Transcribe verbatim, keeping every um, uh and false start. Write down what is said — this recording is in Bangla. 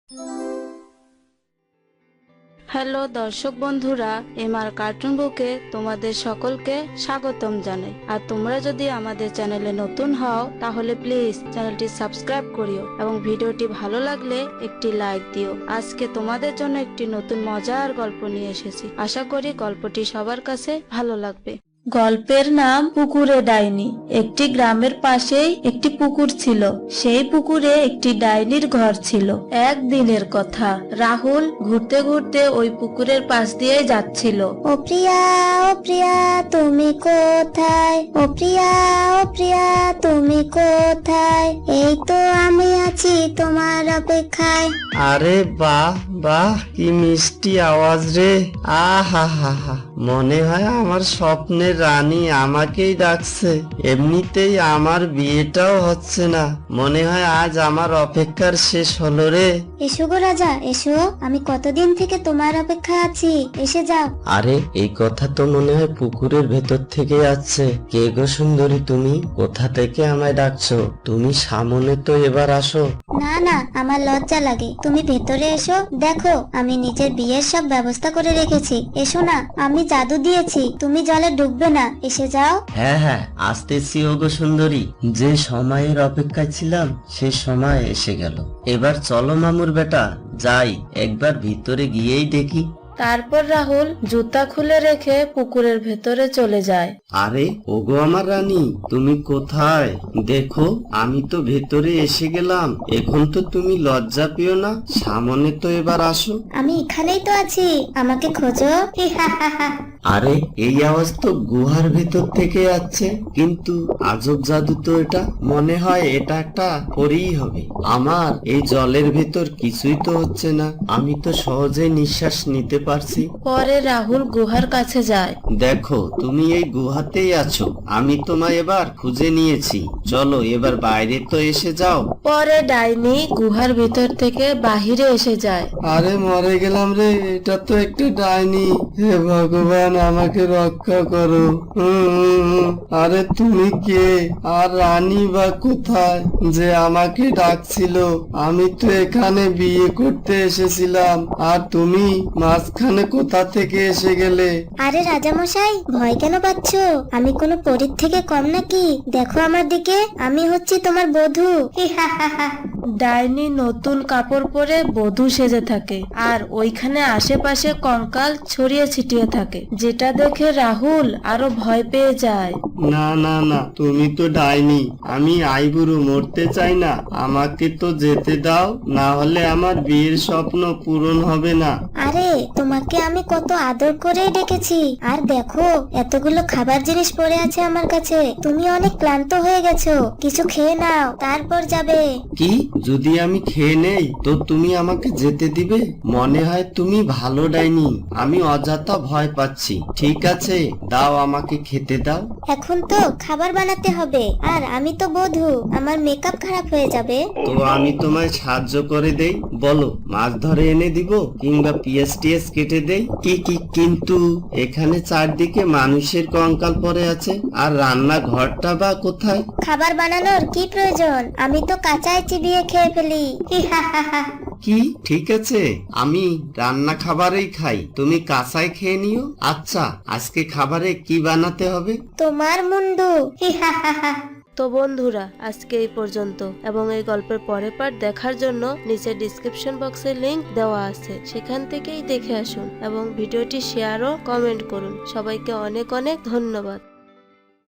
হ্যালো দর্শক বন্ধুরা, এমআর কার্টুন বুকে তোমাদের সকলকে স্বাগতম জানাই। আর তোমরা যদি আমাদের চ্যানেলে নতুন হও তাহলে প্লিজ চ্যানেলটি সাবস্ক্রাইব করিও এবং ভিডিওটি ভালো লাগলে একটি লাইক দিও। আজকে তোমাদের জন্য একটি নতুন মজার গল্প নিয়ে এসেছি। আশা করি গল্পটি সবার কাছে ভালো লাগবে। গল্পের নাম পুকুরে ডাইনি। একটি গ্রামের পাশেই একটি পুকুর ছিল। সেই পুকুরে একটি ডাইনির ঘর ছিল। একদিনের কথা, রাহুল ঘুরতে ঘুরতে ওই পুকুরের পাশ দিয়ে যাচ্ছিল। ও প্রিয়া, ও প্রিয়া তুমি কোথায়? ও প্রিয়া, ও প্রিয়া তুমি কোথায়? এই তো আমি আছি তোমার অপেক্ষায়। আরে বাহ বাহ, কি মিষ্টি আওয়াজ রে! আহা হা হা, মনে হয় আমার স্বপ্নের রানী আমাকেই ডাকছে। এমনিতেই আমার বিয়েটাও হচ্ছে না, মনে হয় আজ আমার অপেক্ষার শেষ হলো রে। এসো গো রাজা, এসো, আমি কতদিন থেকে তোমার অপেক্ষায় আছি, এসে যাও। আরে এই কথা তো মনে হয় পুকুরের ভেতর থেকে আসছে। কে গো সুন্দরী তুমি? কোথা থেকে আমায় ডাকছো? তুমি সামনে তো এবার আসো। না না, আমার লজ্জা লাগে। তুমি ভেতরে এসো, দেখো আমি নিজের বিয়ের সব ব্যবস্থা করে রেখেছি। এসো না, আমি জাদু দিয়েছি, তুমি জলে ডুববে না, এসে যাও। হ্যাঁ হ্যাঁ, আসতেছি ওগো সুন্দরী। যে সময়ের অপেক্ষায় ছিলাম সে সময় এসে গেল। এবার চলো মামুর বেটা, যাই একবার ভিতরে গিয়েই দেখি। তারপর রাহুল জুতা খুলে রেখে পুকুরের ভেতরে চলে যায়। আরে ওগো আমার রানী, তুমি কোথায়? দেখো আমি তো ভেতরে এসে গেলাম। এখন তো তুমি লজ্জা পেও না, সামনে তো এবার আসো। আমি এখানেই তো আছি, আমাকে খোঁজো। আরে এই আওয়াজ তো গুহার ভেতর থেকে আসছে, কিন্তু আজব জাদু তো এটা। মনে হয় এটা একটা পরীই হবে। আমার এই জলের ভেতর কিছুই তো হচ্ছে না, আমি তো সহজে নিঃশ্বাস নিতে পারছি। পরে রাহুল গুহার কাছে যায়। দেখো তুমি এই গুহাতেই আছো, আমি তোমায় এবার খুঁজে নিয়েছি। চলো এবার বাইরে তো এসে যাও। পরে ডাইনি গুহার ভিতর থেকে বাহিরে এসে যায়। আরে মরে গেলাম রে, এটা তো একটা ডাইনি। হে ভগবান, আমাকে রক্ষা করো। উম, আরে তুমি কে? আর রানী বা কোথায় যে আমাকে ডাকছিল? আমি তো এখানে বিয়ে করতে এসেছিলাম, আর তুমি মাঝখানে কোথা থেকে এসে গেলে? আরে রাজামশাই, ভয় কেন পাচ্ছ? আমি কোনো পরীর থেকে কম নাকি? দেখো আমার দিকে, আমি হচ্ছি তোমার বধূ। ডাইনি নতুন কাপড় পরে বধূ সেজে থাকে, আর ওইখানে আশেপাশে কঙ্কাল ছড়িয়ে ছিটিয়ে থাকে, যেটা দেখে রাহুল আরো ভয় পেয়ে যায়। না না না, তুমি তো ডাইনি। আমি আইবুড়ো, মরতে চাই না, আমাকে তো যেতে দাও, না হলে আমার বিয়ের স্বপ্ন পূরণ হবে না। আরে তোমাকে আমি কত আদর করেই ডেকেছি, আর দেখো এতগুলো খাবার জিনিস পড়ে আছে আমার কাছে। তুমি অনেক ক্লান্ত হয়ে গেছো, কিছু খেয়ে নাও, তারপর যাবে। কি? যদি আমি খেয়ে নেই তো তুমি আমাকে যেতে দিবে? মনে হয় তুমি ভালো ডাইনি, আমি অযথা ভয় পাচ্ছি। ঠিক আছে, দাও আমাকে খেতে দাও। এখন তো খাবার বানাতে হবে, আর আমি তো বধূ, আমার মেকআপ খারাপ হয়ে যাবে। তো আমি তোমায় সাহায্য করে দেই, বলো মাছ ধরে এনে দিব, কিংবা পিএস টিএস কেটে দেই? কি কি কিন্তু এখানে চারদিকে মানুষের কঙ্কাল পড়ে আছে, আর রান্না ঘরটা বা কোথায়? খাবার বানানোর কি প্রয়োজন? আমি তো কাঁচায় চিবিয়ে খেয়ে ফেলি। কি? ঠিক আছে, আমি রান্না খাবারেই খাই, তুমি কাঁচাই খেয়ে নিও। আচ্ছা, আজকে খাবারে কি বানাতে হবে? তোমার মুন্ডু। তো বন্ধুরা, আজকে এই পর্যন্ত, এবং এই গল্পের পরের পার্ট দেখার জন্য নিচে ডিসক্রিপশন বক্সে লিংক দেওয়া আছে, সেখান থেকেই দেখে আসুন এবং ভিডিওটি শেয়ার ও কমেন্ট করুন। সবাইকে অনেক অনেক ধন্যবাদ।